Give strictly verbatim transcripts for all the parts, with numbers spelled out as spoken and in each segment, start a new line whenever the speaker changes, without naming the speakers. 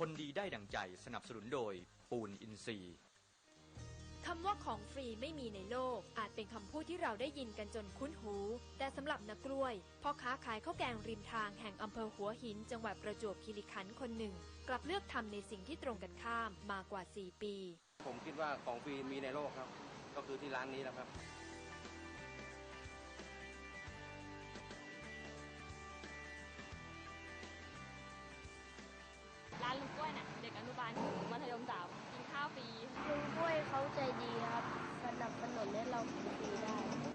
คนดีได้ดั่งใจสนับสนุนโดยปูนอินทรีย์
คำว่าของฟรีไม่มีในโลกอาจเป็นคำพูดที่เราได้ยินกันจนคุ้นหูแต่สำหรับนักกล้วยพ่อค้าขายข้าวแกงริมทางแห่งอำเภอหัวหินจังหวัดประจวบคีรีขันธ์คนหนึ่งกลับเลือกทำในสิ่งที่ตรงกันข้ามมากว่าสี่ปี
ผมคิดว่าของฟรีมีในโลกครับก็คือที่ร้านนี้นะครับ
ร้านลุงกล้วยเนี่ยเด็กอนุบาลถึงมัธยมสามกินข้าวฟรี
ลุงกล้วยเขาใจดีครับสนับสนุนให้เรากินฟรีได้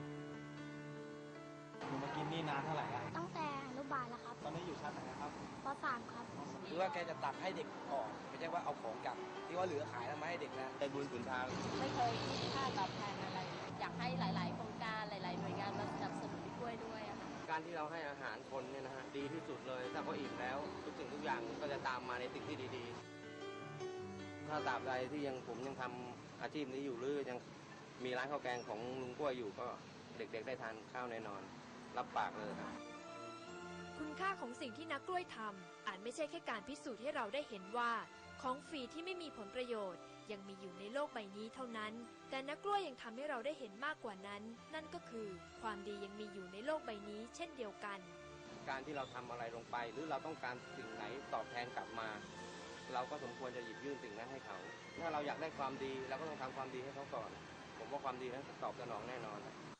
หนูมากินนี่นานเท่าไหร่แล้ว
ตั้งแต่อนุบาลแล้วครับ
ตอนนี้อยู่ชั้นไหนครับ
ป.สาม ครับ
คือว่าแกจะตักให้เด็กออกไม่ใช่ว่าเอาของกลับที่ว่าเหลือขายแล้วมาให้เด็กนะได้บุญสุนทาง
ไม่เคยคิดค่าตอบแทนอะไรอยากให้หลายๆโครงการหลายๆหน่วยงานมาสนับสนุนพี่กล้วยด้วยอะค่ะ
การที่เราให้อาหารคนเนี่ยนะฮะดีที่สุดเลยถ้าเขาอิ่มแล้วทุกสิ่งทุกอย่างก็จะตามมาในสิ่งที่ดีๆถ้าตราบใดที่ยังผมยังทำอาชีพนี้อยู่หรือยังมีร้านข้าวแกงของลุงกล้วยอยู่ก็เด็กๆได้ทานข้าวแน่นอนรับปากเลยครับ
คุณค่าของสิ่งที่นักกล้วยทำอาจไม่ใช่แค่การพิสูจน์ให้เราได้เห็นว่าของฟรีที่ไม่มีผลประโยชน์ยังมีอยู่ในโลกใบนี้เท่านั้นแต่นักกล้วยยังทำให้เราได้เห็นมากกว่านั้นนั่นก็คือความดียังมีอยู่ในโลกใบนี้เช่นเดียวกัน
การที่เราทำอะไรลงไปหรือเราต้องการสิ่งไหนตอบแทนกลับมาเราก็สมควรจะหยิบยื่นสิ่งนั้นให้เขาถ้าเราอยากได้ความดีเราก็ต้องทำความดีให้เขาก่อนผมว่าความดีนั้นตอบสนองแน่นอน